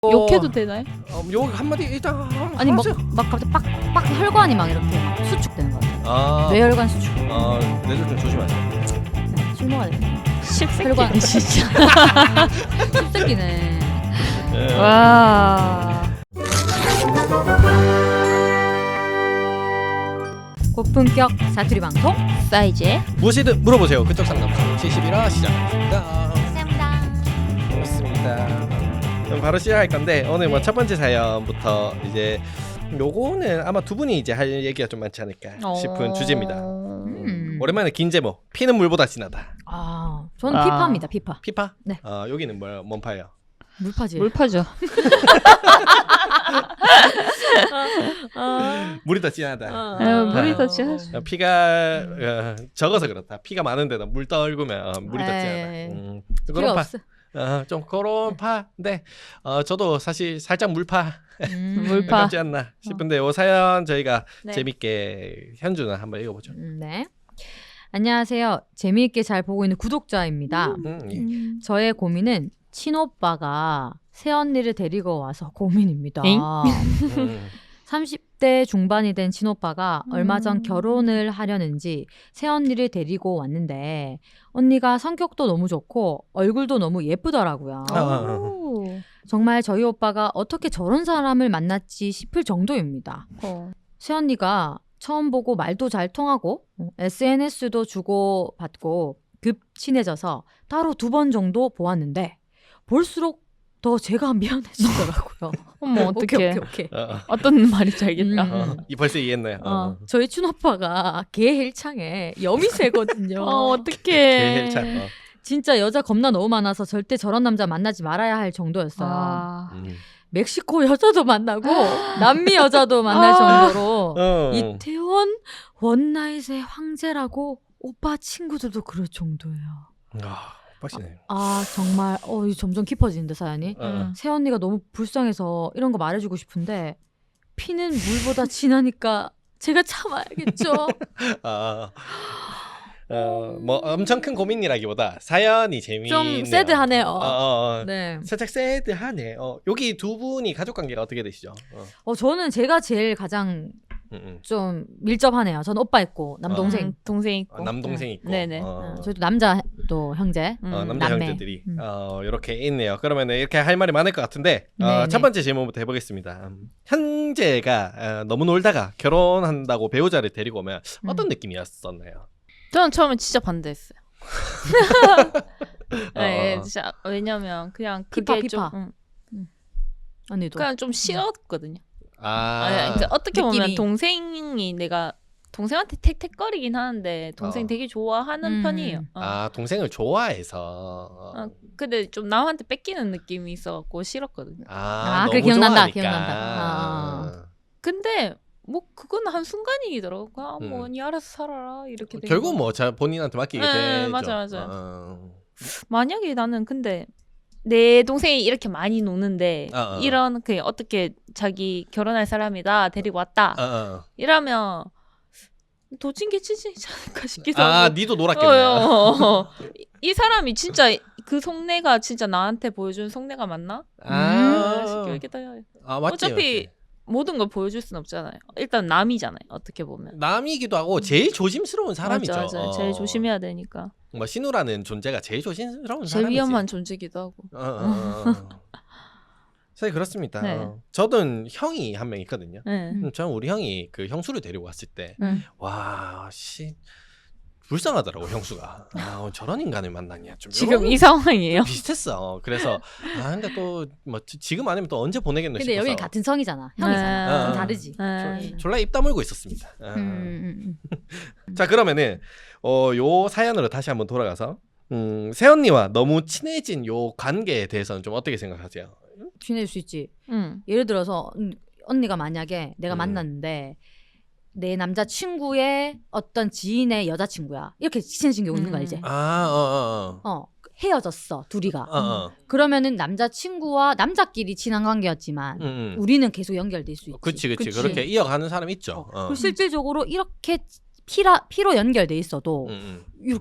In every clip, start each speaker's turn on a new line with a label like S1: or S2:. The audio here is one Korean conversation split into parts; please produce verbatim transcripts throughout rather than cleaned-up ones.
S1: 욕해도 되나요?
S2: 어, 욕 한마디 일단
S3: 아니 막,
S2: 하세요.
S3: 막 갑자기 빡, 빡 혈관이 막 이렇게 막 수축되는 거 같아요.
S2: 아,
S3: 뇌혈관 수축.
S2: 아, 뇌절 좀 조심하세요.
S3: 네, 실모가 되네.
S1: 십새끼.
S3: 혈관 진짜. 씹새끼네.
S2: 예.
S1: 와.
S3: 고품격 사투리 방송
S1: 사이즈의
S2: 무엇이든 물어보세요. 그쪽 상담소 칠십일 화 시작합니다.
S3: 감사합니다.
S2: 반갑습니다. 그럼 바로 시작할 건데 오늘 뭐 첫 번째 사연부터 이제 요거는 아마 두 분이 이제 할 얘기가 좀 많지 않을까 싶은 주제입니다.
S3: 음.
S2: 오랜만에 긴 제목. 피는 물보다 진하다.
S3: 아, 저는
S1: 아.
S3: 피파입니다. 피파.
S2: 피파?
S3: 네.
S2: 어, 여기는 뭐야? 뭔 파예요?
S3: 물파지.
S1: 물파죠.
S2: 물이 더 진하다.
S3: 어.
S1: 아, 물이
S2: 아.
S1: 더 진하죠.
S2: 어, 피가 어, 적어서 그렇다. 피가 많은데도 물 떨구면 어, 물이 더
S3: 에이.
S2: 진하다. 음,
S3: 필요
S2: 그런 파.
S3: 없어.
S2: 어, 좀 그런 파인데 어, 저도 사실 살짝 물파
S3: 음.
S1: 물파.
S2: 가깝지 않나 싶은데 요 사연 저희가
S3: 네.
S2: 재밌게 현주는 한번 읽어보죠.
S3: 음, 네. 안녕하세요. 재미있게 잘 보고 있는 구독자입니다.
S2: 음, 예.
S1: 음.
S3: 저의 고민은 친오빠가 새언니를 데리고 와서 고민입니다.
S1: 엥?
S2: 음.
S3: 삼십 대 중반이 된 친오빠가
S1: 음.
S3: 얼마 전 결혼을 하려는지 새언니를 데리고 왔는데 언니가 성격도 너무 좋고 얼굴도 너무 예쁘더라고요.
S2: 아, 아, 아.
S1: 오.
S3: 정말 저희 오빠가 어떻게 저런 사람을 만났지 싶을 정도입니다.
S1: 어.
S3: 새언니가 처음 보고 말도 잘 통하고 에스엔에스도 주고받고 급 친해져서 따로 두 번 정도 보았는데 볼수록 더 제가 미안해지더라고요.
S1: 어머 어떡해.
S3: 오케이 오케이 오케이.
S2: 어, 어.
S1: 어떤 말인지 알겠다.
S3: 음.
S2: 어, 이 벌써 이해했네요. 어.
S3: 어, 저희 춘오빠가 개 헬창에 여미새거든요.
S1: 어 어떡해.
S2: 개헬찬. 어.
S3: 진짜 여자 겁나 너무 많아서 절대 저런 남자 만나지 말아야 할 정도였어요.
S1: 아.
S2: 음.
S3: 멕시코 여자도 만나고 남미 여자도 만날
S1: 아.
S3: 정도로
S2: 어.
S3: 이태원 원나잇의 황제라고 오빠 친구들도 그럴 정도예요.
S2: 아, 빡시네.
S3: 아 정말 어 이거 점점 깊어지는데 사연이.
S2: 어, 어.
S3: 새언니가 너무 불쌍해서 이런 거 말해주고 싶은데 피는 물보다 진하니까 제가 참아야겠죠.
S2: 아, 어, 뭐 엄청 큰 고민이라기보다 사연이 재미있네요.
S3: 좀 새드하네요.
S2: 어, 어, 어.
S3: 네.
S2: 살짝 새드하네. 어, 여기 두 분이 가족 관계가 어떻게 되시죠? 어.
S3: 어 저는 제가 제일 가장
S2: 음, 음.
S3: 좀 밀접하네요. 저는 오빠 있고 남동생.
S1: 음, 동생 있고.
S2: 어, 남동생 있고.
S1: 네네.
S2: 어.
S3: 어, 저희도 남자 또 형제.
S1: 음.
S2: 어, 남자
S3: 남매.
S2: 형제들이
S3: 음.
S2: 어, 이렇게 있네요. 그러면 이렇게 할 말이 많을 것 같은데 어,
S3: 네네.
S2: 첫 번째 질문부터 해보겠습니다. 음, 현재가 어, 너무 놀다가 결혼한다고 배우자를 데리고 오면 어떤
S3: 음.
S2: 느낌이었었나요?
S1: 저는 처음에 진짜 반대했어요.
S2: 어,
S1: 네,
S2: 어.
S1: 진짜 왜냐면 그냥
S3: 피파,
S1: 그게 좀
S3: 피파.
S1: 응,
S3: 언니도.
S1: 그냥 좀 싫었거든요.
S2: 아,
S1: 아니, 그러니까 어떻게 보면
S3: 느낌이.
S1: 동생이 내가 동생한테 택택거리긴 하는데 동생
S2: 어.
S1: 되게 좋아하는
S3: 음.
S1: 편이에요. 어.
S2: 아 동생을 좋아해서
S1: 어, 근데 좀 남한테 뺏기는 느낌이 있어갖고 싫었거든요.
S2: 아,
S3: 아, 그래,
S2: 너무
S3: 기억난다,
S2: 좋아하니까.
S3: 기억난다. 아.
S1: 근데 뭐 그건 한 순간이더라고. 아,
S2: 음.
S1: 뭐 니 알아서 살아라 이렇게. 된
S2: 결국
S1: 거.
S2: 뭐 자, 본인한테 맡기게
S1: 네,
S2: 되죠.
S1: 맞아, 맞아.
S2: 어.
S1: 만약에 나는 근데 내 동생이 이렇게 많이 노는데
S2: 어, 어.
S1: 이런 그 어떻게 자기 결혼할 사람이다 데리고 왔다
S2: 어, 어.
S1: 이러면 도찐개 치지 않을까 싶기도
S2: 아,
S1: 하고.
S2: 니도 놀았겠네.
S1: 어, 어, 어. 이, 이 사람이 진짜 그 속내가 진짜 나한테 보여준 속내가 맞나?
S2: 아,
S1: 싶기도 해요.
S2: 아 맞지.
S1: 어차피
S2: 맞지.
S1: 모든 걸 보여줄 순 없잖아요. 일단 남이잖아요. 어떻게 보면.
S2: 남이기도 하고 제일 조심스러운 사람이죠.
S1: 맞아, 맞아.
S2: 어.
S1: 제일 조심해야 되니까.
S2: 뭐 신우라는 존재가 제일 조심스러운
S1: 제일
S2: 사람이지.
S1: 위험한 존재기도 하고.
S2: 어, 어, 어. 사실 그렇습니다.
S1: 네.
S2: 어. 저는 형이 한 명 있거든요.
S1: 네.
S2: 음, 저는 우리 형이 그 형수를 데리고 왔을 때,
S1: 음.
S2: 와, 씨, 불쌍하더라고 형수가. 아, 저런 인간을 만나냐 좀.
S1: 지금
S2: 이런
S1: 이 상황이에요.
S2: 비슷했어. 그래서 아 근데 또 뭐 지금 아니면 또 언제 보내겠노
S3: 근데
S2: 싶어서.
S3: 여긴 같은 성이잖아. 형이잖아.
S2: 네.
S3: 좀 다르지.
S1: 네.
S2: 졸- 졸라 입 다물고 있었습니다. 아.
S3: 음, 음, 음.
S2: 자 그러면은 어, 요 사연으로 다시 한번 돌아가서 음, 새언니와 너무 친해진 요 관계에 대해서는 좀 어떻게 생각하세요?
S3: 친해질 수 있지.
S1: 음.
S3: 예를 들어서 음, 언니가 만약에 내가
S2: 음.
S3: 만났는데 내 남자 친구의 어떤 지인의 여자 친구야. 이렇게 친해진 경우 있는 거
S1: 음.
S3: 알지?
S2: 아, 어, 어,
S3: 어 헤어졌어 둘이가.
S2: 어, 어,
S3: 그러면은 남자 친구와 남자끼리 친한 관계였지만
S2: 음, 음.
S3: 우리는 계속 연결될 수 있지.
S2: 그치, 그치,
S1: 그치.
S2: 그렇게 이어가는 사람 있죠. 어.
S3: 그리고 실질적으로 이렇게 피라 피로 연결돼 있어도
S2: 음, 음.
S3: 이렇게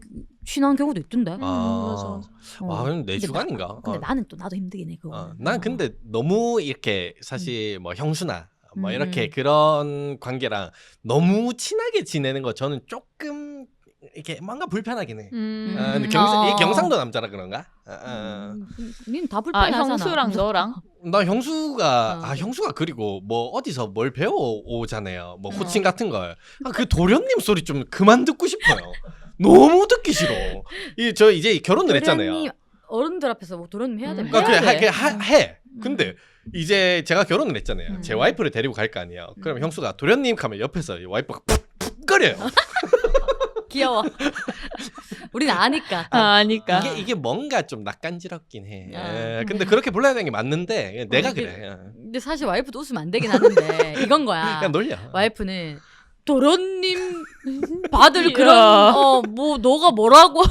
S3: 친한 경우도 있던데.
S1: 음,
S2: 아.
S1: 맞아, 맞아.
S3: 어.
S2: 아, 그럼 내
S3: 근데
S2: 주관인가?
S3: 나, 근데
S2: 어.
S3: 나는 또 나도 힘들긴 해 그거.
S2: 어, 난 근데 너무 이렇게 사실 뭐 형수나 뭐
S3: 음,
S2: 이렇게
S3: 음.
S2: 그런 관계랑 너무 친하게 지내는 거 저는 조금 이렇게 뭔가 불편하긴 해.
S1: 음.
S2: 아, 근데
S3: 음,
S2: 경,
S3: 어.
S2: 이게 경상도 남자라 그런가? 아, 아.
S3: 닌다
S1: 아
S3: 불편하잖아.
S1: 형수랑 너랑
S2: 나 형수가
S3: 어.
S2: 아 형수가 그리고 뭐 어디서 뭘 배워 오잖아요. 뭐 호칭
S3: 어.
S2: 같은 걸. 아, 그 도련님 소리 좀 그만 듣고 싶어요. 너무 듣기 싫어. 이 저 이제 결혼을 했잖아요.
S3: 도련님, 어른들 앞에서 뭐 도련님 해야
S1: 음,
S3: 되면
S2: 그러니까
S1: 해야
S2: 그래,
S1: 돼.
S2: 하, 하, 해. 근데 이제 제가 결혼을 했잖아요.
S3: 음.
S2: 제 와이프를 데리고 갈 거 아니에요. 그럼
S3: 음.
S2: 형수가 도련님 하면 옆에서 와이프가 푹푹 거려요.
S3: 귀여워. 우리는 아니까.
S1: 아 아니까
S2: 이게 이게 뭔가 좀 낯간지럽긴 해.
S3: 아.
S2: 에, 근데 그렇게 불러야 되는 게 맞는데 내가
S3: 어, 이게-
S2: 그래. 어.
S3: 근데 사실 와이프도 웃으면 안 되긴 하는데 이건 거야.
S2: 그냥 놀려.
S3: 와이프는 도련님 받을
S1: 이야.
S3: 그런 어 뭐 너가 뭐라고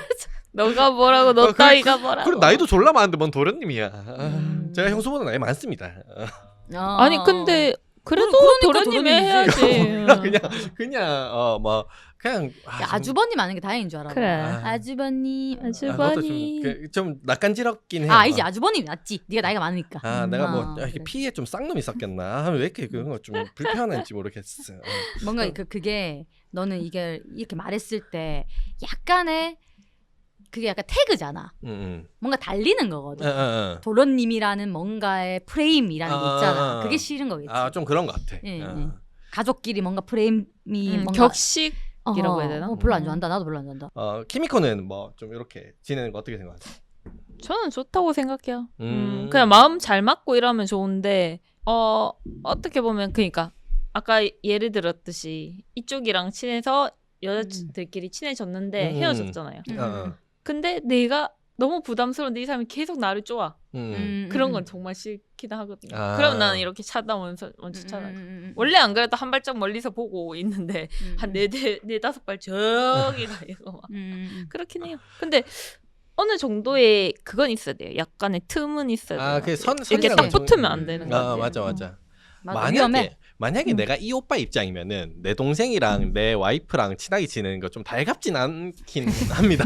S1: 너가 뭐라고 너
S2: 어, 그래,
S1: 따위가 뭐라고
S2: 그리고 나이도 졸라 많은데 뭔 도련님이야.
S3: 음.
S2: 제가 형수보다 나이 많습니다. 어.
S3: 어.
S1: 아니 근데 그래도
S3: 그러니까
S1: 도련님이
S3: 도련님이지.
S1: 해야지
S2: 그냥 그냥 어 뭐 그냥 아,
S3: 야,
S2: 좀-
S3: 아주버님 아는 게 다행인 줄 알아.
S1: 그래.
S2: 아.
S3: 아주버님.
S2: 아,
S1: 아주-
S2: 그것도 좀,
S1: 주번이.
S2: 그, 좀 낯간지럽긴 해.
S3: 아, 아니지. 아주버님이 낫지. 네가 나이가 많으니까.
S2: 아, 내가 뭐
S3: 아,
S2: 아, 이게
S3: 그래.
S2: 피에 좀 쌍놈이 섞였나? 아, 왜 이렇게 그런 거 좀 불편한지 모르겠어. 어.
S3: 뭔가 그 그게 너는 이게 이렇게 말했을 때 약간의 그게 약간 태그잖아.
S2: 음, 음.
S3: 뭔가 달리는
S2: 어,
S3: 거거든.
S2: 어, 어.
S3: 도련님이라는 뭔가의 프레임이라는 게
S2: 아,
S3: 있잖아.
S2: 아,
S3: 그게
S2: 아.
S3: 싫은 거겠지.
S2: 아, 좀 그런 것 같아.
S3: 예,
S2: 어.
S3: 예. 가족끼리 뭔가 프레임이
S1: 음,
S3: 뭔가
S1: 격식이라고
S3: 어허,
S1: 해야 되나?
S3: 어, 별로 안
S1: 음.
S3: 좋아한다. 나도 별로 안 좋아한다.
S2: 어, 키미코는 뭐 좀 이렇게 지내는 거 어떻게 생각하세요?
S1: 저는 좋다고 생각해요. 음.
S2: 음.
S1: 그냥 마음 잘 맞고 이러면 좋은데 어 어떻게 보면 그러니까 아까 예를 들었듯이 이쪽이랑 친해서 여자들끼리 친해졌는데
S2: 음.
S1: 헤어졌잖아요.
S3: 음.
S2: 어, 어.
S1: 근데 내가 너무 부담스러운데 이 사람이 계속 나를 쪼아.
S2: 음.
S3: 음,
S1: 그런
S3: 음,
S1: 건 정말 싫긴 하거든요.
S2: 아.
S1: 그럼 나는 이렇게 차다면서 먼저
S3: 음,
S1: 차다.
S3: 음, 음, 음.
S1: 원래 안 그래도 한 발짝 멀리서 보고 있는데
S3: 음,
S1: 한
S3: 음.
S1: 네 네 네 다섯 발 저기 가 이거 막
S3: 음, 음.
S1: 그렇긴 해요. 근데 어느 정도의 그건 있어야 돼요. 약간의 틈은 있어야 돼요.
S2: 아, 그 선,
S1: 이렇게
S2: 선이라는
S1: 딱
S2: 건 좀-
S1: 붙으면 안 되는 거
S2: 아,
S1: 같아요.
S2: 맞아, 맞아.
S3: 맞아, 위험해.
S2: 만약에 만약에
S1: 음.
S2: 내가 이 오빠 입장이면은 내 동생이랑 내 와이프랑 친하게 지내는 거 좀 달갑진 않긴 합니다.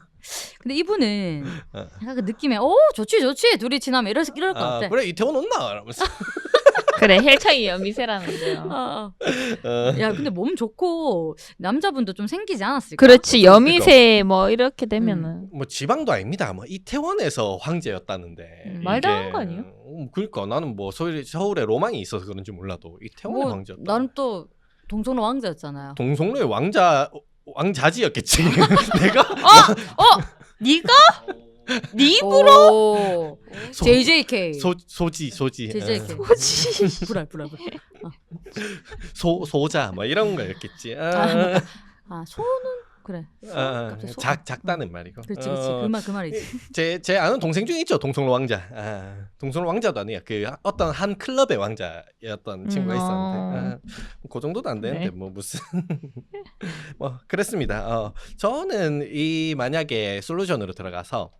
S3: 근데 이분은
S2: 어.
S3: 약간 그 느낌에 오 좋지 좋지 둘이 지나면 이럴 이럴 것
S2: 아,
S3: 같아.
S2: 그래 이태원 온나 이러면서.
S1: 그래 헬창이 여미새라는데요.
S3: 어, 어.
S2: 어.
S3: 야 근데 몸 좋고 남자분도 좀 생기지 않았을까?
S1: 그렇지 여미새 뭐 이렇게 되면은
S2: 뭐 지방도 아닙니다. 뭐 이태원에서 황제였다는데.
S3: 음,
S2: 이게-
S1: 말도 안 하는 거 아니에요?
S2: 음, 그러니까 나는 뭐 서울, 서울에 로망이 있어서 그런지 몰라도 이태원의
S3: 뭐
S2: 황제였다.
S3: 나는 또 동성로 왕자였잖아요.
S2: 동성로의 왕자 왕자지였겠지. 내가
S1: 어 네가 네
S3: 오
S2: 소-
S3: 제이제이케이
S2: 소 소지 소지
S3: 제이제이케이
S2: 어.
S1: 뭐지?
S3: 불알 불알 불알.
S2: 소 소자 뭐 이런 거였겠지. 아,
S3: 아, 아 소는 그래.
S2: 아,
S3: 갑자기 소-
S2: 작 작다는 말이고.
S3: 그렇지 그렇지
S2: 어,
S3: 그 말 그 말이지.
S2: 제, 제 아는 동생 중에 있죠. 동성로 왕자. 아, 동성로 왕자도 아니야. 그 어떤 한 클럽의 왕자였던 친구가
S1: 음,
S2: 있었는데. 아, 그 정도도 안 되는데
S1: 네.
S2: 뭐 무슨 뭐 그랬습니다. 어, 저는 이 만약에 솔루션으로 들어가서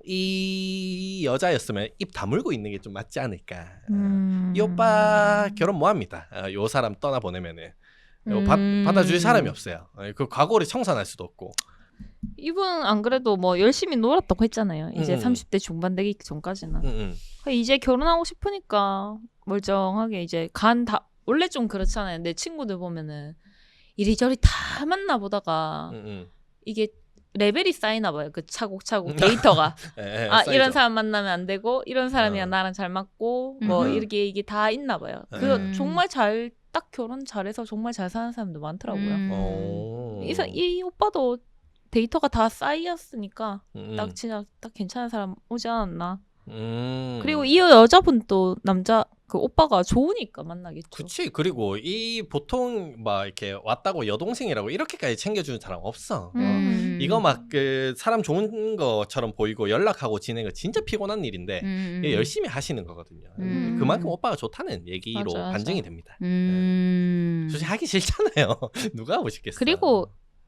S2: 이 여자였으면 입 다물고 있는 게 좀 맞지 않을까.
S1: 음.
S2: 이 오빠 결혼 뭐 합니다. 어, 요 사람 떠나 보내면은 요 받-
S1: 음.
S2: 받아줄 사람이 없어요. 어, 그 과거를 청산할 수도 없고.
S1: 이분 안 그래도 뭐 열심히 놀았다고 했잖아요. 이제
S2: 음.
S1: 삼십 대 중반 되기 전까지는.
S2: 음, 음.
S1: 이제 결혼하고 싶으니까 멀쩡하게 이제 간 다 원래 좀 그렇잖아요. 내 친구들 보면은 이리저리 다 만나 보다가
S2: 음, 음.
S1: 이게 레벨이 쌓이나 봐요. 그 차곡차곡 데이터가.
S2: 예, 예,
S1: 아
S2: 쌓이죠.
S1: 이런 사람 만나면 안 되고 이런 사람이랑
S2: 어.
S1: 나랑 잘 맞고 뭐
S3: 음.
S1: 이렇게 이게 다 있나 봐요. 그
S3: 음.
S1: 정말 잘 딱 결혼 잘해서 정말 잘 사는 사람도 많더라고요.
S3: 음.
S2: 어.
S1: 이, 사- 이 오빠도 데이터가 다 쌓였으니까
S2: 음,
S1: 딱 진짜 딱 괜찮은 사람 오지 않았나.
S2: 음.
S1: 그리고 이 여자분도 남자 그 오빠가 좋으니까 만나겠죠.
S2: 그치. 그리고 이 보통 막 이렇게 왔다고 여동생이라고 이렇게까지 챙겨주는 사람 없어. 어.
S1: 음.
S2: 이거 막 그 사람 좋은 것처럼 보이고 연락하고 지내는 거 진짜 피곤한 일인데
S3: 음.
S2: 이게 열심히 하시는 거거든요.
S3: 음.
S2: 그만큼 오빠가 좋다는 얘기로
S1: 맞아, 맞아.
S2: 반증이 됩니다.
S3: 음.
S2: 솔직히 하기 싫잖아요. 누가 하고 싶겠어.
S1: 그리고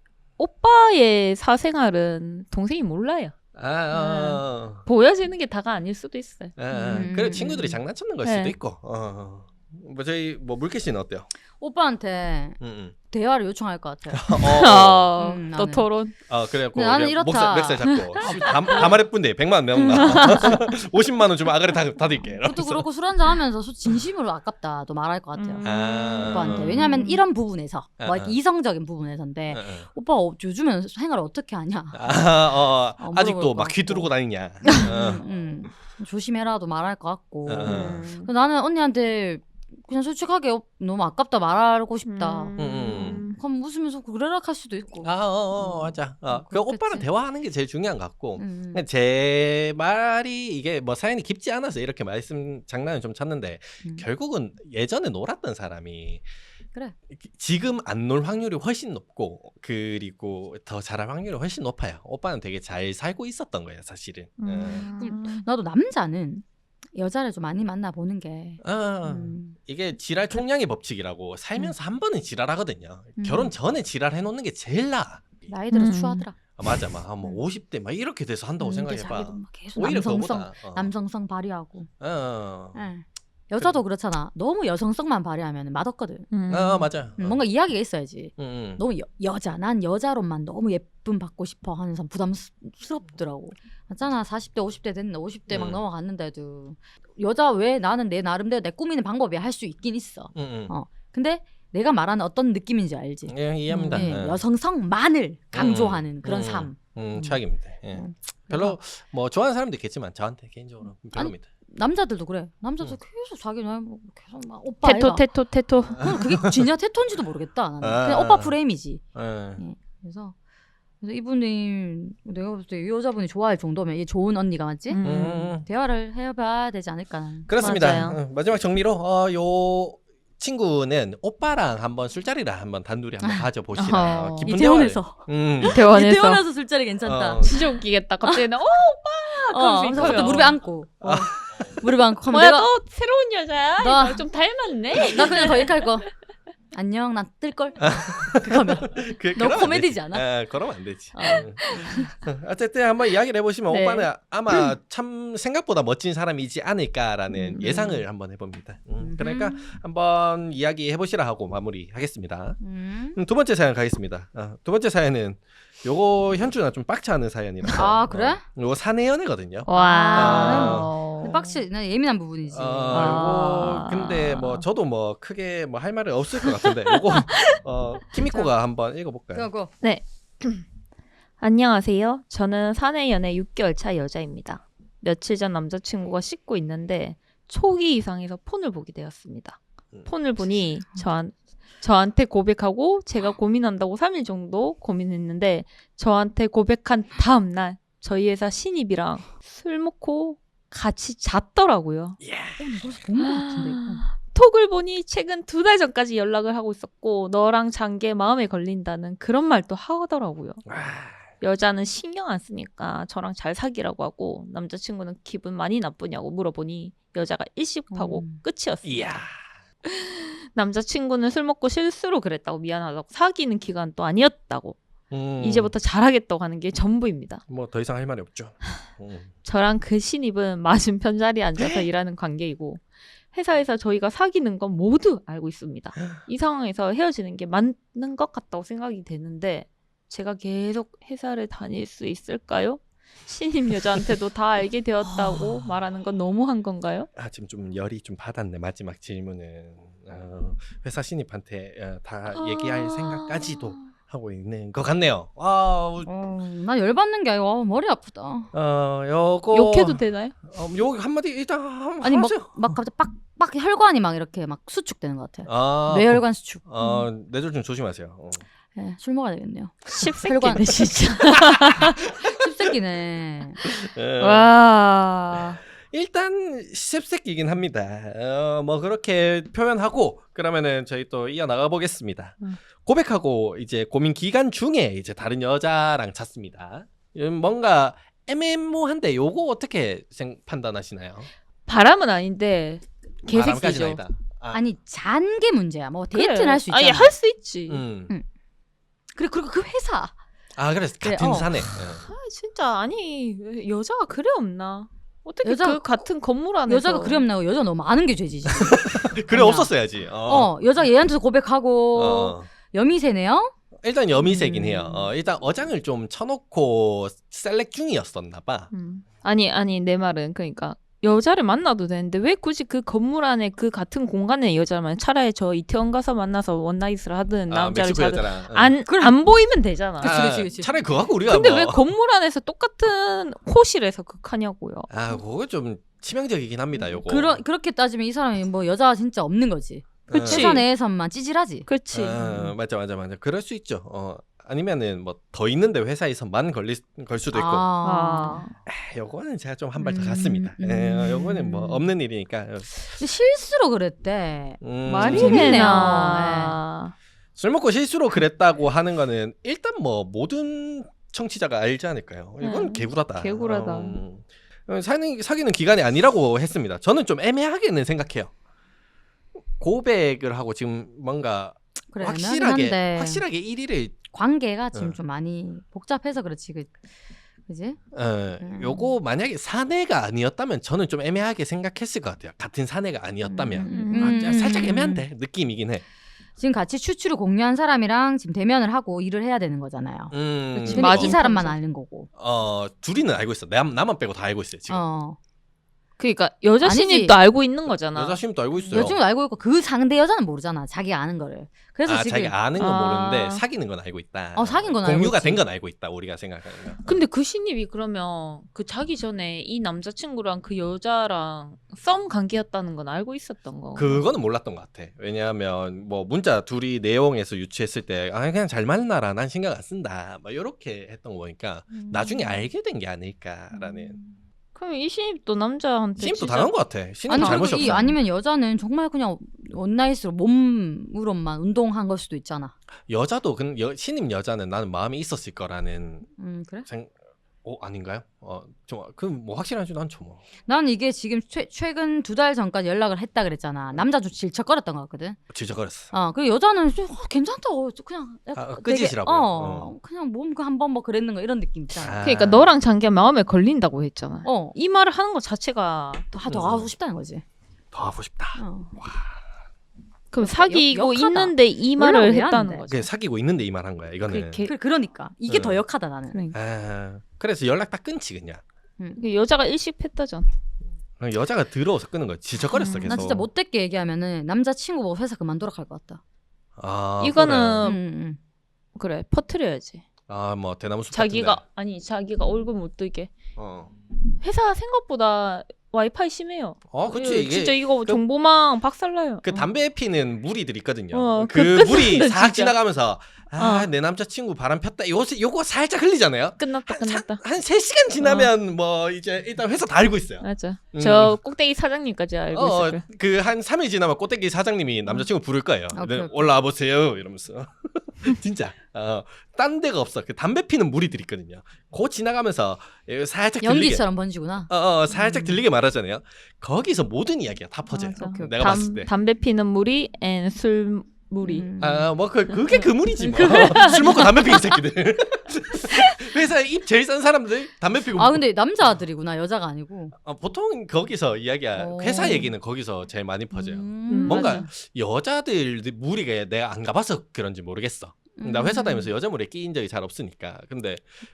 S1: 오빠의 사생활은 동생이 몰라요.
S2: 아, 어.
S1: 보여지는 게 다가 아닐 수도 있어요.
S2: 아, 아.
S3: 음.
S2: 그래 친구들이 장난쳤는 걸
S1: 네.
S2: 수도 있고. 어. 뭐 저희 뭐 물개 씨는 어때요?
S3: 오빠한테
S2: 응, 응.
S3: 대화를 요청할 것 같아요.
S2: 어,
S1: 어,
S3: 음,
S1: 또
S3: 나는.
S1: 토론.
S2: 어, 그래갖고
S3: 근데 나는
S2: 그냥
S3: 이렇다.
S2: 목살, 멱살 잡고 다, 다 말해뿐데 백만 원 내온다. 오십만 원 주면 아가리 다, 다 드릴게.
S3: 그것도
S2: 이러면서.
S3: 그렇고 술 한잔 하면서 소- 진심으로 아깝다 또 말할 것 같아요.
S1: 음.
S2: 아.
S3: 오빠한테. 왜냐하면 이런 부분에서
S2: 아,
S3: 뭐 이렇게
S2: 아.
S3: 이성적인 부분에서인데
S2: 응, 응.
S3: 오빠 어, 요즘엔 생활을 어떻게 하냐?
S2: 아, 어,
S3: 어,
S2: 아직도
S3: 물어볼
S2: 막
S3: 것
S2: 휘두르고
S3: 같고.
S2: 다니냐. 어.
S3: 음, 음. 조심해라도 말할 것 같고.
S2: 어.
S1: 음.
S3: 그래서 나는 언니한테 그냥 솔직하게 어, 너무 아깝다 말하고 싶다.
S1: 음.
S2: 음.
S3: 그럼 웃으면서 그래라 할 수도 있고.
S2: 아, 어, 어,
S3: 음.
S2: 맞아. 어,
S3: 어,
S2: 그 오빠랑
S3: 그렇겠지.
S2: 대화하는 게 제일 중요한 것 같고.
S3: 음.
S2: 근데 제 말이 이게 뭐 사연이 깊지 않아서 이렇게 말씀 장난을 좀 쳤는데
S3: 음.
S2: 결국은 예전에 놀았던 사람이
S3: 그래.
S2: 지금 안 놀 확률이 훨씬 높고 그리고 더 잘할 확률이 훨씬 높아요. 오빠는 되게 잘 살고 있었던 거예요, 사실은.
S1: 음.
S3: 나도 남자는 여자를 좀 많이 만나보는 게
S2: 어, 어,
S3: 음,
S2: 이게 지랄 총량의 법칙이라고 살면서 한 번은 지랄하거든요.
S3: 음.
S2: 결혼 전에 지랄 해놓는 게 제일 나아.
S3: 나이 들어서
S1: 음.
S3: 추하더라.
S2: 아, 맞아, 막 뭐
S3: 음.
S2: 오십 대 막 이렇게 돼서 한다고
S3: 음, 이게
S2: 생각해봐.
S3: 자기도 막 계속
S2: 오히려
S3: 남성성,
S2: 그거보다. 어.
S3: 남성성 발휘하고.
S2: 어, 어.
S3: 예. 여자도 그렇잖아. 너무 여성성만 발휘하면 맛없거든.
S1: 음.
S2: 어, 맞아.
S3: 음, 뭔가 이야기가 있어야지.
S2: 응, 응.
S3: 너무 여, 여자, 난 여자로만 너무 예쁨 받고 싶어 하는 사람 부담스럽더라고. 맞잖아. 사십 대, 오십 대 됐는데 오십 대 막
S2: 음.
S3: 넘어갔는데도 여자 왜 나는 내 나름대로 내 꾸미는 방법이 할 수 있긴 있어.
S2: 응, 응.
S3: 어. 근데 내가 말하는 어떤 느낌인지 알지?
S2: 예, 이해합니다.
S3: 예,
S2: 예.
S3: 여성성만을 강조하는 그런
S2: 음.
S3: 삶.
S2: 음,
S3: 음.
S2: 최악입니다. 예.
S3: 음.
S2: 별로 뭐 좋아하는 사람도 있겠지만 저한테 개인적으로 별로입니다.
S3: 남자들도 그래. 남자들
S2: 음.
S3: 계속 자기는 뭐 계속 막 오빠
S1: 테토
S3: 아이가.
S1: 테토 테토.
S3: 그건 그게 진짜 테토인지도 모르겠다. 나는
S2: 아.
S3: 그냥 오빠 프레임이지.
S2: 예.
S3: 그래서 그래서 이분이 내가 봤을 때 이 여자분이 좋아할 정도면 이 좋은 언니가 맞지?
S1: 음.
S2: 음.
S3: 대화를 해봐야 되지 않을까. 나는.
S2: 그렇습니다.
S1: 맞아요.
S2: 어, 마지막 정리로 어, 요 친구는 오빠랑 한번 술자리를 한번 단둘이 한번 가져보시라.
S1: 어허.
S2: 깊은
S3: 이태원에서
S2: 대화를- 음.
S1: 대원에서
S3: 이태원에서 술자리 괜찮다.
S2: 어.
S1: 진짜 웃기겠다. 갑자기 나 어, 오빠.
S3: 어,
S1: 그럴 수
S3: 그래서
S1: 있어요.
S3: 무릎에 안고 어. 무릎에 안고 하면
S1: 뭐야
S3: 내가
S1: 너 새로운 여자야?
S3: 나-
S1: 이거 좀 닮았네.
S3: 나 그냥 더 이렇게 할 거. 안녕, 나 뜰걸. 그거면
S2: 그,
S3: 너무
S2: 그러면 안
S3: 코미디지
S2: 되지.
S3: 않아?
S2: 예, 그러면 안 되지.
S3: 어.
S2: 음. 어쨌든 한번 이야기를 해보시면
S1: 네.
S2: 오빠는 아마 참 생각보다 멋진 사람이지 않을까라는
S3: 음.
S2: 예상을 한번 해봅니다. 음,
S3: 음.
S2: 그러니까 한번 이야기 해보시라 하고 마무리하겠습니다.
S3: 음.
S2: 음, 두 번째 사연 가겠습니다. 어, 두 번째 사연은 요거 현주나 좀 빡치하는 사연이라서.
S3: 아, 그래?
S2: 어, 요거 사내연애거든요.
S1: 와.
S3: 빡치, 나 예민한 부분이지.
S2: 어,
S1: 아.
S2: 요거 근데 뭐 저도 뭐 크게 뭐 할 말은 없을 것 같은데 요거 어, 키미코가 한번 읽어볼까요?
S3: 그거
S1: 안녕하세요. 저는 사내 연애 육 개월 차 여자입니다. 며칠 전 남자친구가 씻고 있는데 초기 이상해서 폰을 보게 되었습니다.
S2: 음.
S1: 폰을 보니 저한, 저한테 고백하고 제가 고민한다고 삼 일 정도 고민했는데 저한테 고백한 다음 날 저희 회사 신입이랑 술 먹고 같이 잤더라고요.
S3: 어, 나 벌써 본 것 같은데. 이거.
S1: 톡을 보니 최근 두 달 전까지 연락을 하고 있었고 너랑 잔 게 마음에 걸린다는 그런 말도 하더라고요.
S2: 와.
S1: 여자는 신경 안 쓰니까 저랑 잘 사귀라고 하고 남자친구는 기분 많이 나쁘냐고 물어보니 여자가 일식하고
S3: 음.
S1: 끝이었습니다.
S2: 이야.
S1: 남자친구는 술 먹고 실수로 그랬다고 미안하다고 사귀는 기간도 아니었다고
S2: 음,
S1: 이제부터 잘하겠다고 하는 게 전부입니다.
S2: 뭐 더 이상 할 말이 없죠. 음.
S1: 저랑 그 신입은 맞은편 자리에 앉아서 일하는 관계이고 회사에서 저희가 사귀는 건 모두 알고 있습니다. 이 상황에서 헤어지는 게 맞는 것 같다고 생각이 되는데 제가 계속 회사를 다닐 수 있을까요? 신입 여자한테도 다 알게 되었다고 말하는 건 너무한 건가요?
S2: 아 지금 좀 열이 좀 받았네 마지막 질문은 어, 회사 신입한테 어, 다 얘기할 생각까지도 하고 있는 것 같네요. 아,
S3: 어, 나 열받는 게 아니고 아, 머리 아프다.
S2: 어 요거
S1: 욕해도 되나요?
S2: 어, 요 한마디 일단 한-
S3: 아니 막,
S2: 하세요.
S3: 막 갑자기 빡빡 혈관이 막 이렇게 막 수축되는 것 같아.
S2: 아,
S3: 뇌혈관 수축.
S2: 어, 뇌절 좀 조심하세요. 어.
S3: 네, 술 먹어야 되겠네요.
S1: 십새끼네 진짜.
S3: 씹새끼네.
S2: 어,
S1: 와.
S2: 일단 십새끼긴 합니다. 어, 뭐 그렇게 표현하고 그러면은 저희 또 이어 나가 보겠습니다.
S1: 음.
S2: 고백하고 이제 고민 기간 중에 이제 다른 여자랑 잤습니다. 음, 뭔가 애매모한데 요거 어떻게 생, 판단하시나요?
S1: 바람은 아닌데
S2: 바람까지는
S1: 개색이죠.
S2: 아니다. 아,
S3: 아니 잔 게 문제야. 뭐 데이트는 할 수 있잖아.
S1: 아니 할 수 있지.
S2: 음.
S3: 음. 그래 그리고 그 회사.
S2: 아 그래서
S3: 그래,
S2: 같은
S3: 어.
S2: 사내. 어.
S1: 아 진짜 아니 여자가 그래 없나? 어떻게
S3: 여자-
S1: 그 같은 건물 안에서
S3: 여자가 그리 없나고 여자 너무 많은 게 죄지. 진짜.
S2: 그래 없었어야지. 어.
S3: 어, 여자 얘한테도 고백하고
S2: 어.
S3: 여미새네요.
S2: 일단 여미새긴
S3: 음.
S2: 해요. 어, 일단 어장을 좀 쳐놓고 셀렉 중이었었나 봐.
S1: 음. 아니 아니 내 말은 그러니까 여자를 만나도 되는데 왜 굳이 그 건물 안에 그 같은 공간에 여자를 만나 차라리 저 이태원 가서 만나서 원나잇을 하든
S2: 아,
S1: 남자를
S2: 멕시코
S1: 자든
S2: 여자랑. 응.
S1: 안, 안 보이면 되잖아.
S3: 그치,
S2: 아,
S3: 그치, 그치.
S2: 차라리 그거 갖고 우리가
S1: 근데
S2: 뭐.
S1: 왜 건물 안에서 똑같은 호실에서 극하냐고요.
S2: 아, 그거 좀 치명적이긴 합니다. 요거.
S3: 그러, 그렇게 따지면 이 사람이 뭐 여자가 진짜 없는 거지.
S1: 그치.
S3: 회사 내에서만 찌질하지.
S1: 그렇지.
S2: 아, 맞아, 맞아, 맞아. 그럴 수 있죠. 어, 아니면은 뭐 더 있는데 회사에서만 걸릴 걸 수도 있고.
S1: 아.
S2: 아, 요거는 제가 좀 한 발 더
S3: 음,
S2: 갔습니다.
S3: 음.
S2: 예, 어, 요거는 뭐 없는 일이니까.
S3: 근데 실수로 그랬대.
S2: 음,
S1: 말이
S3: 재밌네요.
S1: 되나.
S2: 술 먹고 실수로 그랬다고 하는 거는 일단 뭐 모든 청취자가 알지 않을까요? 이건
S1: 음,
S2: 개구라다.
S1: 개구라다.
S2: 음, 사는, 사귀는 기간이 아니라고 했습니다. 저는 좀 애매하게는 생각해요. 고백을 하고 지금 뭔가
S3: 그래,
S2: 확실하게
S3: 애매하긴 한데
S2: 확실하게 일 위를
S3: 관계가 지금
S2: 어.
S3: 좀 많이 복잡해서 그렇지. 그, 그지?
S2: 어,
S3: 음.
S2: 요거 만약에 사내가 아니었다면 저는 좀 애매하게 생각했을 것 같아요. 같은 사내가 아니었다면
S3: 음,
S2: 아,
S3: 음,
S2: 자, 살짝
S3: 음,
S2: 애매한데 느낌이긴 해.
S3: 지금 같이 추추를 공유한 사람이랑 지금 대면을 하고 일을 해야 되는 거잖아요.
S2: 음,
S1: 그치,
S3: 근데
S1: 맞아.
S3: 이 사람만
S1: 맞아.
S3: 아는 거고.
S2: 어 둘이는 알고 있어. 남, 나만 빼고 다 알고 있어요 지금.
S3: 어.
S1: 그러니까 여자
S3: 아니지.
S1: 신입도 알고 있는 거잖아.
S2: 여자 신입도 알고 있어요.
S3: 여자친구 알고 있고 그 상대 여자는 모르잖아. 자기가 아는 거를. 그래서
S2: 아,
S3: 지금
S2: 자기 아는 건
S1: 아.
S2: 모르는데 사귀는 건 알고 있다.
S3: 어, 사귄 건 알고
S2: 공유가
S3: 있지.
S2: 된 건 알고 있다. 우리가 생각하는 거.
S1: 근데 그 신입이 그러면 그 자기 전에 이 남자친구랑 그 여자랑 썸 관계였다는 건 알고 있었던 거.
S2: 그거는 몰랐던 것 같아. 왜냐하면 뭐 문자 둘이 내용에서 유추했을 때 아, 그냥 잘 만나라. 난 신경 안 쓴다. 막 이렇게 했던 거 보니까
S1: 음.
S2: 나중에 알게 된 게 아닐까라는.
S1: 음. 그럼 이 신입도 남자한테
S2: 신입도
S1: 진짜-
S2: 당한 것 같아. 신입
S3: 아니
S2: 잘못이
S3: 그리고 이
S2: 없어.
S3: 아니면 여자는 정말 그냥 원나잇으로 몸으로만 운동한 걸 수도 있잖아.
S2: 여자도 그 여, 신입 여자는 나는 마음이 있었을 거라는
S3: 음 그래?
S2: 생. 어 아닌가요? 어좀그뭐 확실한지 않죠 뭐.
S3: 난 이게 지금 최, 최근 두 달 전까지 연락을 했다 그랬잖아. 남자도 질척거렸던 것 같거든.
S2: 질척거렸어.
S3: 어 그리고 여자는 좀, 어, 괜찮다. 어, 그냥 약간
S2: 아,
S3: 되게,
S2: 끄지시라고.
S3: 어,
S2: 어.
S3: 그냥 몸 그 한번 뭐 그랬는 거 이런 느낌 있잖아.
S2: 아.
S1: 그러니까 너랑 장기가 마음에 걸린다고 했잖아.
S3: 어.
S1: 이 말을 하는 것 자체가
S3: 더, 더
S2: 음.
S3: 하고 싶다는 거지.
S2: 더 하고 싶다.
S3: 어.
S1: 그럼 사귀고
S3: 역- 역하다.
S1: 있는데 이
S3: 연락을
S1: 말을
S3: 왜
S1: 했다는
S3: 하는데?
S1: 거지.
S2: 그 사귀고 있는데 이 말 한 거야. 이거는.
S1: 그 개-
S3: 그, 그러니까 이게
S2: 응.
S3: 더 역하다 나는.
S1: 그러니까.
S2: 아, 그래서 연락 딱 끊지 그냥.
S1: 그 여자가 일식했다잖아.
S2: 여자가 들어와서 끊는 거야. 질척거렸어
S1: 음,
S2: 계속.
S3: 난 진짜 못됐게 얘기하면은 남자 친구 보고 회사 그만두라 할 것 같다.
S2: 아,
S1: 이거는-
S3: 응,
S1: 음.
S3: 응.
S1: 그래 퍼트려야지.
S2: 아뭐 대나무 숲
S1: 자기가
S2: 같은데.
S1: 아니 자기가 얼굴 못 뜨게.
S2: 어.
S1: 회사 생각보다 와이파이 심해요.
S2: 어, 그치
S1: 예,
S2: 이게
S1: 진짜 이거
S2: 그-
S1: 정보망 박살나요.
S2: 그
S1: 어.
S2: 담배 피는 무리들 있거든요.
S1: 어,
S2: 그
S1: 그
S2: 물이
S1: 끝나는데,
S2: 싹
S1: 진짜.
S2: 지나가면서 아,
S1: 어.
S2: 내 남자친구 바람 폈다. 요거 요거 살짝 흘리잖아요.
S1: 끝났다
S2: 한,
S1: 끝났다.
S2: 한 세 시간 지나면 뭐 이제 일단 회사 다 알고 있어요.
S1: 맞아.
S2: 음.
S1: 저 꼭대기 사장님까지 알고
S2: 어,
S1: 있을 거야.
S2: 그 한 삼 일 지나면 꼬떼기 사장님이 남자친구 부를 거예요.
S3: 아, 오케이,
S2: 네,
S3: 오케이.
S2: 올라와 보세요. 이러면서. 진짜. 어, 딴 데가 없어. 그 담배 피는 무리들 있거든요. 고 지나가면서 살짝 들리게.
S3: 연기처럼 번지구나.
S2: 어, 어, 살짝
S3: 음.
S2: 들리게 말하잖아요. 거기서 모든 이야기가 다 퍼져요.
S1: 맞아.
S3: 오케이, 오케이.
S2: 내가
S1: 담,
S2: 봤을 때.
S1: 담배 피는 무리 앤 술 무리.
S3: 음.
S2: 아, 뭐, 그, 그게 그 물이지, 뭐. 술 먹고 담배 피는 새끼들. 회사에 입 제일 싼 사람들, 담배 피고.
S3: 아 근데 남자들이구나 여자가 아니고.
S2: 어, 보통 거기서 이야기야.
S3: 오.
S2: 회사 얘기는 거기서 제일 많이 퍼져요.
S3: 음.
S2: 뭔가
S1: 맞아.
S2: 여자들 무리가 내가 안 가봐서 그런지 모르겠어. 나 회사
S3: 음.
S2: 다니면서 여자 무리에 끼인 적이 잘 없으니까. 근데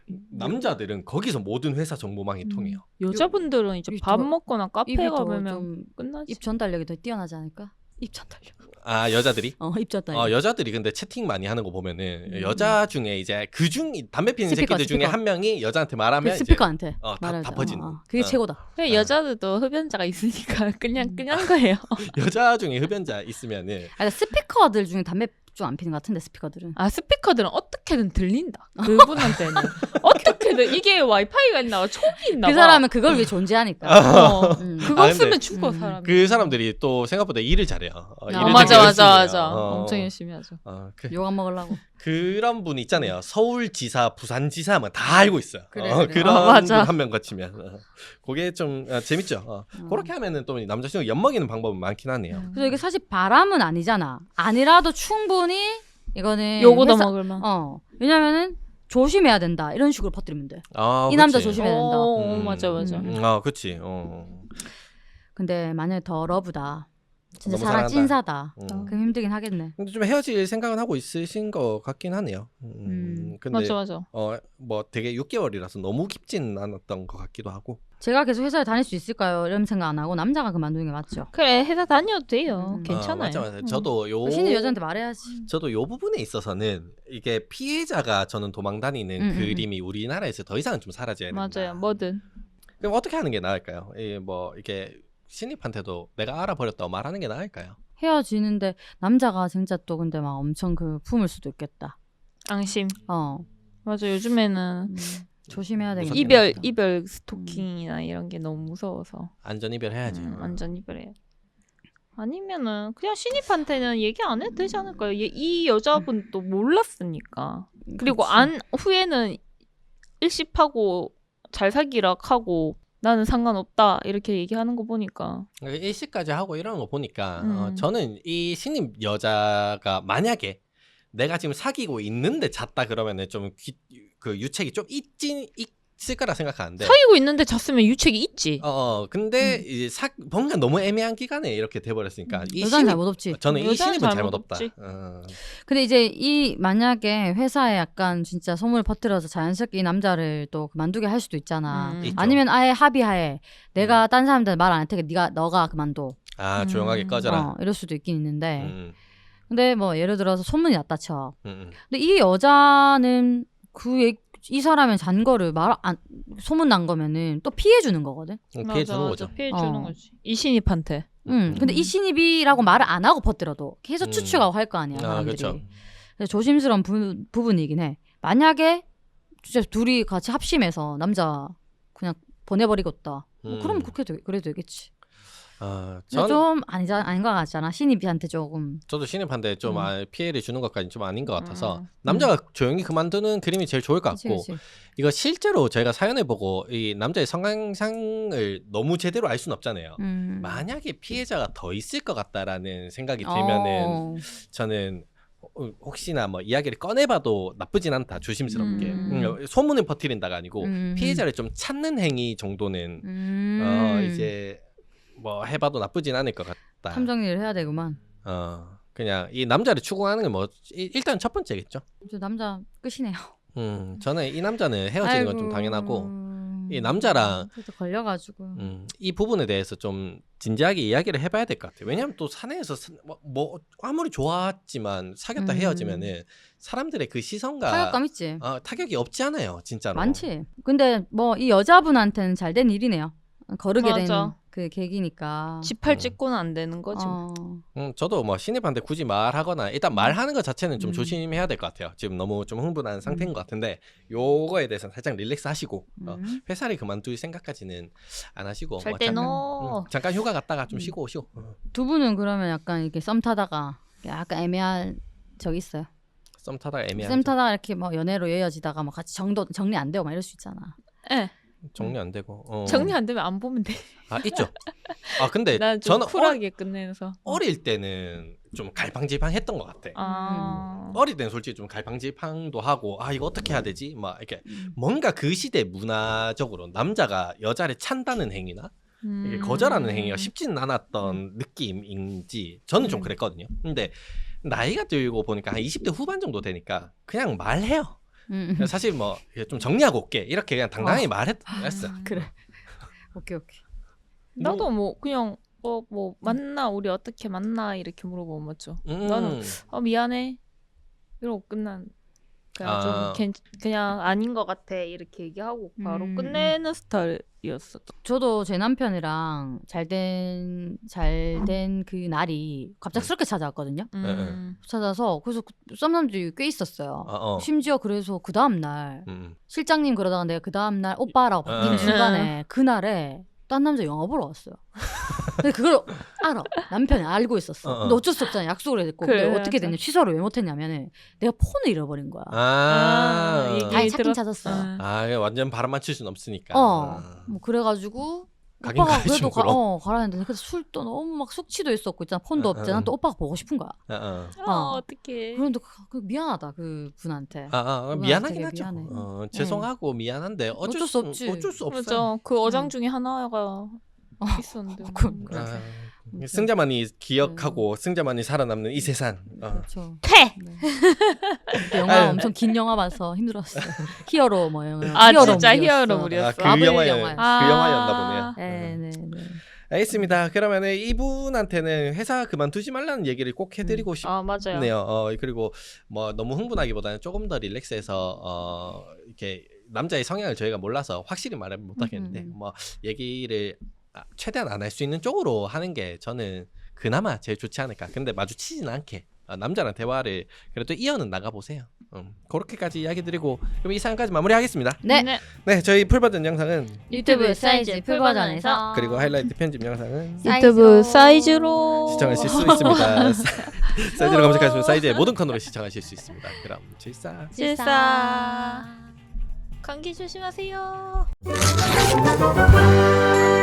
S2: 남자들은 거기서 모든 회사 정보망이 통해요.
S1: 여자분들은 이제
S3: 입이
S1: 밥
S3: 더-
S1: 먹거나
S3: 입이
S1: 카페
S3: 더
S1: 가면
S3: 좀
S1: 끝나지.
S3: 입 전달력이 더 뛰어나지 않을까? 입 전달력.
S2: 아, 여자들이?
S3: 어, 입 전달력.
S2: 어, 여자들이 근데 채팅 많이 하는 거 보면은
S3: 음.
S2: 여자 중에 이제 그중 담배 피는
S3: 스피커,
S2: 새끼들 중에
S3: 스피커.
S2: 한 명이 여자한테
S3: 그
S2: 말하면 이제
S3: 스피커한테
S2: 어, 다,
S3: 말할
S2: 다
S3: 때.
S2: 퍼지는.
S3: 어, 어. 그게
S2: 어.
S3: 최고다.
S1: 그래,
S2: 아.
S1: 여자들도 흡연자가 있으니까 그냥
S3: 음.
S1: 그냥 거예요.
S2: 여자 중에 흡연자 있으면은
S3: 아, 스피커들 중에 담배 좀 안 피는 것 같은데 스피커들은.
S1: 아 스피커들은 어떻게든 들린다. 그분한테는 어떻게든 이게 와이파이가 있나 봐, 촉이 있나 봐.
S3: 그 사람은 그걸 위해 존재하니까.
S1: 어,
S3: 음.
S1: 그거
S2: 아, 근데-
S1: 쓰면 죽어
S3: 음.
S1: 사람.
S2: 그 사람들이 또 생각보다 일을 잘해요. 어, 일을
S3: 아,
S2: 되게
S1: 맞아
S2: 열심히
S1: 맞아
S2: 해요.
S1: 맞아.
S2: 어,
S1: 엄청 열심히 하죠.
S2: 어, 그,
S3: 욕 안 먹으려고.
S2: 그런 분 있잖아요. 서울지사, 부산지사 뭐 다 알고 있어요.
S3: 그래,
S2: 어,
S3: 그래.
S2: 그런
S1: 어, 맞아.
S2: 분 한 명 거치면 어. 그게 좀 어, 재밌죠. 어.
S3: 음.
S2: 그렇게 하면은 또 남자친구 엿먹이는 방법은 많긴 하네요.
S3: 그래서 이게 사실 바람은 아니잖아. 아니라도 충분히 이거는
S1: 요거도
S3: 회사-
S1: 먹을만.
S3: 어 왜냐면은 조심해야 된다 이런 식으로 퍼뜨리면 돼.
S2: 아,
S3: 이 남자
S2: 그치.
S3: 조심해야 된다.
S1: 어,
S2: 음.
S1: 맞아 맞아.
S3: 음.
S2: 아, 그치. 어.
S3: 근데 만약에 더 러브다. 진짜
S2: 너무
S3: 사랑
S2: 사랑한다.
S3: 찐사다.
S2: 음.
S3: 그럼 힘들긴 하겠네.
S2: 근데 좀 헤어질 생각은 하고 있으신 것 같긴 하네요. 음.
S3: 음.
S2: 근데
S1: 맞아 맞아.
S2: 어, 뭐 되게 육 개월이라서 너무 깊진 않았던 것 같기도 하고.
S3: 제가 계속 회사에 다닐 수 있을까요? 이런 생각 안 하고 남자가 그만두는 게 맞죠.
S1: 그래 회사 다녀도 돼요.
S3: 음.
S1: 괜찮아요.
S2: 아, 맞아 맞아.
S1: 음.
S2: 저도 요
S3: 신입 여자한테 말해야지.
S2: 저도 요 부분에 있어서는 이게 피해자가 저는 도망 다니는
S3: 음, 음,
S2: 그림이 우리나라에서 더 이상은 좀 사라져야 된다.
S1: 맞아요. 뭐든.
S2: 그럼 어떻게 하는 게 나을까요? 이 뭐 이게 신입한테도 내가 알아버렸다고 말하는 게 나을까요?
S3: 헤어지는데 남자가 진짜 또 근데 막 엄청 그 품을 수도 있겠다.
S1: 앙심.
S3: 어.
S1: 맞아 요즘에는
S3: 음, 조심해야 되겠다.
S2: 무섭긴
S1: 이별
S2: 하겠다.
S1: 이별 스토킹이나 이런 게 너무 무서워서
S2: 안전 이별해야지.
S1: 음, 완전 이별해요. 아니면은 그냥 신입한테는 얘기 안 해도 되지 않을까요? 얘- 이 여자분도 몰랐으니까. 그리고
S3: 그치.
S1: 안 후에는 일십하고 잘 사귀라 하고 나는 상관없다 이렇게 얘기하는 거 보니까
S2: 일시까지 하고 이러는 거 보니까
S1: 음.
S2: 어, 저는 이 신입 여자가 만약에 내가 지금 사귀고 있는데 잤다 그러면은 좀 그 유책이 좀 있진 있을 거라 생각하는데.
S1: 사귀고 있는데 잤으면 유책이 있지.
S2: 어, 어 근데
S1: 음.
S2: 이제 사 뭔가 너무 애매한 기간에 이렇게 돼버렸으니까 이
S3: 여자는
S2: 신입
S3: 잘못 없지.
S2: 저는 이
S1: 여자는
S2: 신입은
S1: 잘못
S2: 잘못 없다.
S1: 없지.
S2: 어.
S3: 근데 이제 이 만약에 회사에 약간 진짜 소문을 퍼뜨려서 자연스럽게 이 남자를 또 그만두게 할 수도 있잖아.
S1: 음.
S2: 있죠.
S3: 아니면 아예 합의하에 내가 딴 사람들 말 안 할 테니까 네가 너가 그만둬.
S2: 아 조용하게
S1: 음.
S2: 꺼져라.
S3: 어, 이럴 수도 있긴 있는데.
S2: 음,
S3: 근데 뭐 예를 들어서 소문이 났다 쳐.
S2: 음, 음.
S3: 근데 이 여자는 그 이 사람의 잔 거를 말 안 소문 난 거면은 또 피해 주는 거거든.
S2: 음, 피해 주는 거죠.
S1: 피해 주는
S3: 어.
S1: 거지. 이 신입한테.
S3: 응. 근데
S1: 음.
S3: 이 신입이라고 말을 안 하고 퍼뜨려도 계속
S2: 음.
S3: 추측하고 할 거 아니야
S2: 아,
S3: 사람들이.
S2: 그쵸.
S3: 그래서 조심스러운 부, 부분이긴 해. 만약에 진짜 둘이 같이 합심해서 남자 그냥 보내버리겠다. 뭐
S2: 음.
S3: 그럼 그렇게 되, 그래도 되겠지.
S2: 아,
S3: 근데
S2: 전
S3: 좀 아니자 아닌 것 같잖아. 신입한테 조금.
S2: 저도 신입한테 좀
S3: 음.
S2: 아, 피해를 주는 것까지는 좀 아닌 것 같아서
S1: 음.
S2: 남자가 조용히 그만두는 그림이 제일 좋을 것
S3: 그치,
S2: 같고
S3: 그치.
S2: 이거 실제로 저희가 사연을 보고 이 남자의 성향상을 너무 제대로 알 수는 없잖아요.
S3: 음.
S2: 만약에 피해자가 더 있을 것 같다라는 생각이 들면은
S3: 어.
S2: 저는 어, 혹시나 뭐 이야기를 꺼내봐도 나쁘진 않다. 조심스럽게
S3: 음.
S2: 음, 소문을 퍼뜨린다가 아니고
S3: 음.
S2: 피해자를 좀 찾는 행위 정도는
S3: 음.
S2: 어, 이제 뭐 해봐도 나쁘진 않을 것 같다.
S3: 탐정리를 해야 되구만.
S2: 어 그냥 이 남자를 추구하는 건 뭐 일단 첫 번째겠죠.
S3: 저 남자 끝이네요.
S2: 음 저는 이 남자는 헤어지는 건 좀
S3: 아이고.
S2: 당연하고 이 남자랑
S3: 그래도 걸려가지고.
S2: 음, 이 부분에 대해서 좀 진지하게 이야기를 해봐야 될 것 같아요. 왜냐하면 또 사내에서 사- 뭐, 뭐 아무리 좋았지만 사귀었다
S3: 음.
S2: 헤어지면은 사람들의 그 시선과
S3: 타격감 있지.
S2: 어, 타격이 없지 않아요, 진짜로.
S3: 많지. 근데 뭐 이 여자분한테는 잘 된 일이네요. 거르게 된
S1: 맞아.
S3: 그 계기니까.
S1: 지팔
S2: 음.
S1: 찍고는 안 되는 거지. 뭐.
S3: 어.
S2: 음, 저도 뭐 신입한테 굳이 말하거나 일단 말하는 것 자체는 좀
S3: 음.
S2: 조심해야 될 것 같아요. 지금 너무 좀 흥분한 상태인 것 같은데 요거에 대해서는 살짝 릴렉스 하시고 어,
S3: 음.
S2: 회사를 그만둘 생각까지는 안 하시고 뭐
S1: 절대
S2: 잠깐,
S1: no.
S2: 음, 잠깐 휴가 갔다가 좀
S3: 음.
S2: 쉬고 오시고 어,
S3: 두 분은 그러면 약간 이렇게 썸 타다가 약간 애매한 적 있어요.
S2: 썸 타다가 애매한
S3: 썸 타다가 이렇게 뭐 연애로 이어지다가 뭐 같이 정도 정리 안 되고 막 이럴 수 있잖아.
S1: 예.
S2: 정리 안 되고 어.
S1: 정리 안 되면 안 보면 돼.
S2: 아 있죠. 아 근데
S1: 난 좀
S2: 저는
S1: 쿨하게 끝내서.
S2: 어, 어릴 때는 좀 갈팡질팡했던 것 같아.
S1: 아.
S2: 어릴 때는 솔직히 좀 갈팡질팡도 하고 아 이거 어떻게 해야 되지? 막 이렇게
S3: 음.
S2: 뭔가 그 시대 문화적으로 남자가 여자를 찬다는 행위나 이게
S1: 음.
S2: 거절하는 행위가 쉽지는 않았던 느낌인지 저는 좀
S3: 음.
S2: 그랬거든요. 근데 나이가 들고 보니까 한 이십 대 후반 정도 되니까 그냥 말해요.
S3: 음.
S2: 사실 뭐 좀 정리하고 올게 이렇게 그냥 당당히
S3: 어.
S2: 말했어.
S3: 그래. 오케이 오케이.
S1: 나도 뭐 그냥 어 뭐 만나 우리 어떻게 만나 이렇게 물어보면 맞죠.
S2: 음.
S1: 나는 어 미안해 이러고 끝난. 그냥
S2: 아.
S1: 좀 괜, 그냥 아닌 것 같아 이렇게 얘기하고 바로
S3: 음.
S1: 끝내는 스타일이었어.
S3: 저도 제 남편이랑 잘된 잘 된 그 날이 갑작스럽게 찾아왔거든요.
S1: 음.
S3: 찾아서 그래서 그 썸남들이 꽤 있었어요.
S2: 어, 어.
S3: 심지어 그래서 그 다음 날
S2: 음.
S3: 실장님 그러다가 내가 그 다음 날 오빠라고 바뀌는
S2: 음.
S3: 순간에 그날에 딴 남자 영화 보러 왔어요. 근데 그걸 알아. 남편이 알고 있었어.
S2: 어, 어.
S3: 근데 어쩔 수 없잖아. 약속을 해야 됐고.
S1: 그래,
S3: 근데 어떻게
S1: 맞아.
S3: 됐냐. 취소를 왜 못했냐면은 내가 폰을 잃어버린 거야.
S2: 아.
S1: 아, 이게
S3: 아니 찾긴
S1: 들어-
S3: 찾았어.
S1: 아.
S2: 아, 이거 완전 바람 맞출 순 없으니까.
S3: 어. 뭐 그래가지고
S2: 가긴
S3: 오빠가
S2: 가야지
S3: 그래도 가,
S2: 그럼.
S3: 어, 가라 했는데 그래서 술도 너무 막 숙취도 있었고 있잖아. 폰도
S2: 어,
S3: 없잖아.
S2: 어.
S3: 또 오빠가 보고 싶은 거야.
S2: 어, 어.
S1: 어,
S3: 어.
S1: 어떡해.
S3: 그런데 그, 그 미안하다 그 분한테.
S2: 아, 아,
S3: 그건
S2: 미안하긴
S3: 되게
S2: 하죠.
S3: 미안해.
S2: 어, 죄송하고 미안한데 어쩔,
S3: 어쩔 수 없지.
S2: 어쩔 수 없어요.
S1: 맞아. 그 어장
S3: 음.
S1: 중에 하나가 있었는데.
S3: 그-
S1: 뭐.
S3: 그래.
S2: 아,
S3: 아무튼.
S2: 승자만이 기억하고 승자만이 살아남는 이 세상. 어.
S3: 그렇죠.
S1: 퇴!
S3: 네. 그때 영화
S2: 아유.
S3: 엄청 긴 영화 봐서 힘들었어. 히어로 뭐 영화.
S1: 아,
S3: 히어로
S1: 진짜
S3: 물이었어.
S1: 히어로물이었어.
S2: 아, 그
S3: 마블
S2: 영화였,
S3: 영화였어.
S2: 그 영화였나 보네요.
S3: 네, 네, 네.
S2: 알겠습니다. 그러면 이분한테는 회사 그만두지 말라는 얘기를 꼭 해드리고 싶네요.
S1: 아, 맞아요.
S2: 어, 그리고 뭐 너무 흥분하기보다는 조금 더 릴렉스해서 어, 이렇게 남자의 성향을 저희가 몰라서 확실히 말은 못하겠는데
S3: 음, 음.
S2: 뭐 얘기를 아, 최대한 안 할 수 있는 쪽으로 하는 게 저는 그나마 제일 좋지 않을까. 근데 마주치진 않게 어, 남자랑 대화를 그래도 이어는 나가보세요. 음, 그렇게까지 이야기 드리고 그럼 이 사연까지 마무리하겠습니다.
S3: 네.
S2: 네, 저희 풀버전 영상은
S3: 유튜브 사이즈 풀 버전에서
S2: 그리고 하이라이트 편집 영상은
S1: 유튜브 사이즈로
S2: 시청하실 수 있습니다. 사이즈로 검색하시면 사이즈의 모든 코너를 시청하실 수 있습니다. 그럼 질사.
S1: 질사. 감기 조심하세요.